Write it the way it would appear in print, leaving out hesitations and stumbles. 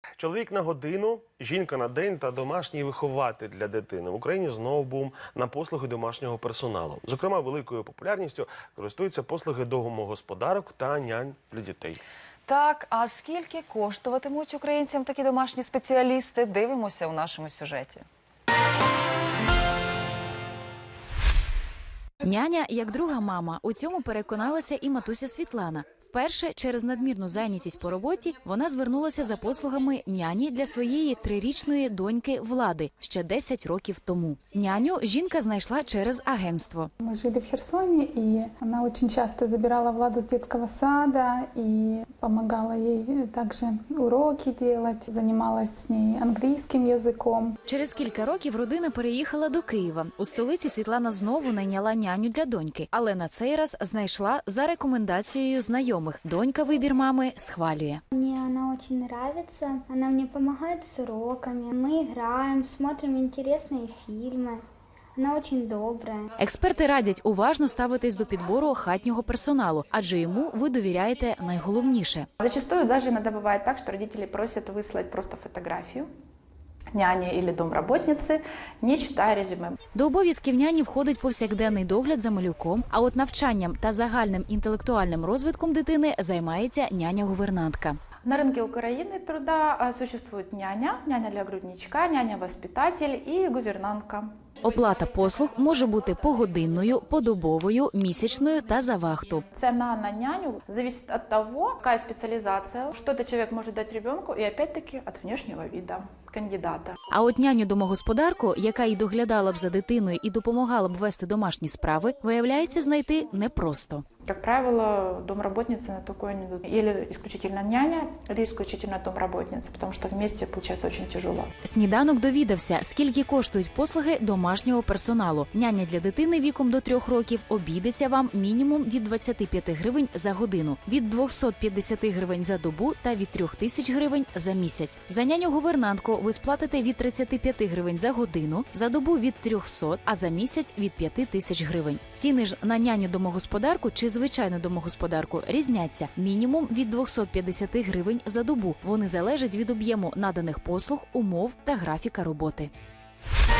Чоловік на годину, жінка на день та домашній вихователь для дитини. В Україні знову бум на послуги домашнього персоналу. Зокрема, великою популярністю користуються послуги домогосподарок та нянь для дітей. Так, а скільки коштуватимуть українцям такі домашні спеціалісти? Дивимося у нашому сюжеті. Няня як друга мама. У цьому переконалася і матуся Світлана. Вперше через надмірну зайнятість по роботі вона звернулася за послугами няні для своєї 3-річної доньки Влади ще 10 років тому. Няню жінка знайшла через агентство. Мы жили в Херсоне, и она очень часто забирала Владу с детского сада и помогала ей также уроки делать, занималась с ней английским языком. Через кілька років родина переїхала до Києва. У столиці Світлана знову найняла няню для доньки, але на цей раз знайшла за рекомендацією знайомих. Донька вибір мами схвалює. Мне она очень нравится, она мне помогает с уроками, мы играем, смотрим интересные фильмы. Она очень добрая. Експерти радять уважно ставитись до підбору хатнього персоналу, адже йому ви довіряєте найголовніше. Зачастую даже иногда бывает так, что родители просят выслать просто фотографию няни или домработницы, не читая резюме. До обов'язків няні входить повсякденний догляд за малюком, а от навчанням та загальним інтелектуальним розвитком дитини займається няня-гувернантка. На рынке Украины труда существует няня, няня для грудничка, няня-воспитатель и гувернантка. Оплата послуг може бути погодинною, подобовою, місячною та за вахту. Цена на няню зависит от того, какая специализация, что этот человек может дать ребенку, и опять-таки от внешнего вида кандидата. А от няню-домогосподарку, яка і доглядала б за дитиною і допомагала б вести домашні справи, виявляється знайти непросто. Как правило, домработницы на такое не идут. Или исключительно няня, или исключительно домработница, потому что вместе получается очень тяжело. Сніданок довідався, скільки коштують послуги домашнього персоналу. Няня для дитини віком до 3 років обійдеться вам мінімум від 25 гривень за годину, від 250 гривень за добу та від 3000 гривень за місяць. За няню-гувернантку ви сплатите від 35 гривень за годину, за добу від 300, а за місяць від 5000 гривень. Ціни ж на няню-домогосподарку чи звичайну домогосподарку різняться мінімум від 250 гривень за добу. Вони залежать від об'єму наданих послуг, умов та графіка роботи.